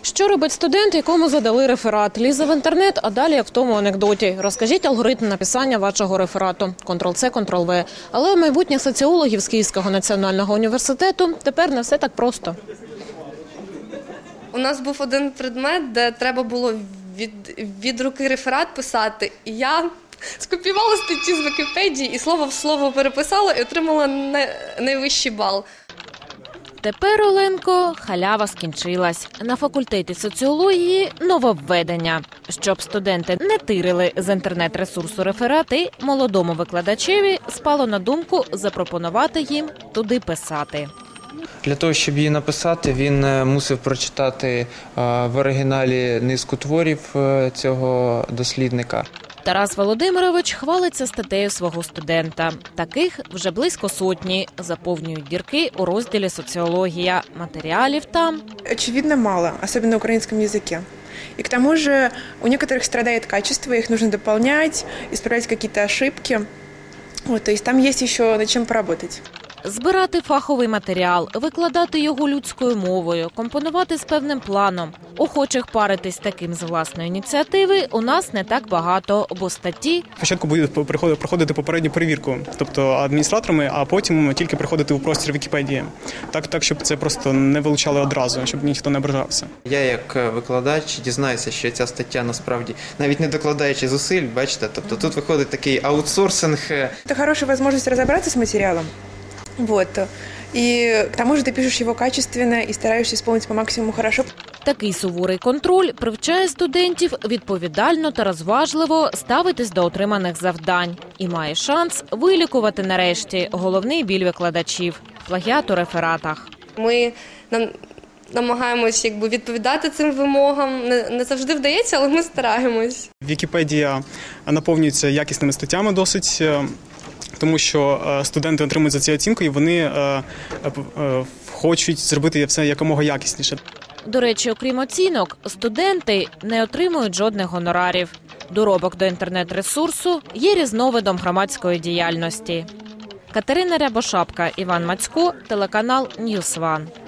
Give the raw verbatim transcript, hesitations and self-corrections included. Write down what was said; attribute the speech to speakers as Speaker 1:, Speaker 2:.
Speaker 1: Що робить студент, якому задали реферат? Лізе в інтернет, а далі як в тому анекдоті. Розкажіть алгоритм написання вашого реферату. контрол-це, контрол-ве. Але у майбутніх соціологів з Київського національного університету тепер не все так просто.
Speaker 2: У нас був один предмет, де треба було від, від руки реферат писати. І я скопіювала статті з Вікіпедії і слово в слово переписала і отримала найвищий бал.
Speaker 1: Тепер, Оленко, халява скінчилась. На факультеті соціології нововведення. Щоб студенти не тирили з інтернет-ресурсу реферати, молодому викладачеві спало на думку запропонувати їм туди писати.
Speaker 3: Для того, щоб її написати, він мусив прочитати в оригіналі низку творів цього дослідника.
Speaker 1: Тарас Володимирович хвалиться статтею свого студента. Таких вже близько сотні. Заповнюють дірки у розділі «Социология». Материалов там
Speaker 4: очевидно мало, особенно на украинском языке. И к тому же у некоторых страдает качество, их нужно дополнять, исправлять какие-то ошибки. Вот, то есть там есть еще над чем поработать.
Speaker 1: Збирати фаховий матеріал, викладати його людською мовою, компонувати з певним планом. Охочих паритись таким з власної ініціативи у нас не так багато, бо статті...
Speaker 5: Спочатку буде проходити попередню перевірку, тобто адміністраторами, а потім тільки приходити у простір Вікіпедії. Так, так, щоб це просто не вилучали одразу, щоб ніхто не ображався.
Speaker 3: Я як викладач дізнаюся, що ця стаття насправді, навіть не докладаючи зусиль, бачите, тобто тут виходить такий аутсорсинг.
Speaker 4: Це хороша можливість розібратися з матеріалом. Вот. И к тому же ты пишешь его качественно и стараешься исполнить по максимуму хорошо.
Speaker 1: Такий суворий контроль привчає студентів відповідально та розважливо ставитись до отриманих завдань. І має шанс вилікувати нарешті головний біль викладачів – плагіат у рефератах.
Speaker 2: Ми нам, намагаємось якби, відповідати цим вимогам. Не, не завжди вдається, але ми стараємось.
Speaker 5: Вікіпедія наповнюється якісними статтями досить, тому що студенти отримують за ці оцінки і вони е, е, хочуть зробити все якомога якісніше.
Speaker 1: До речі, окрім оцінок, студенти не отримують жодних гонорарів. Доробок до інтернет-ресурсу є різновидом громадської діяльності. Катерина Рябошапка, Іван Мацько, телеканал Ньюс Ван.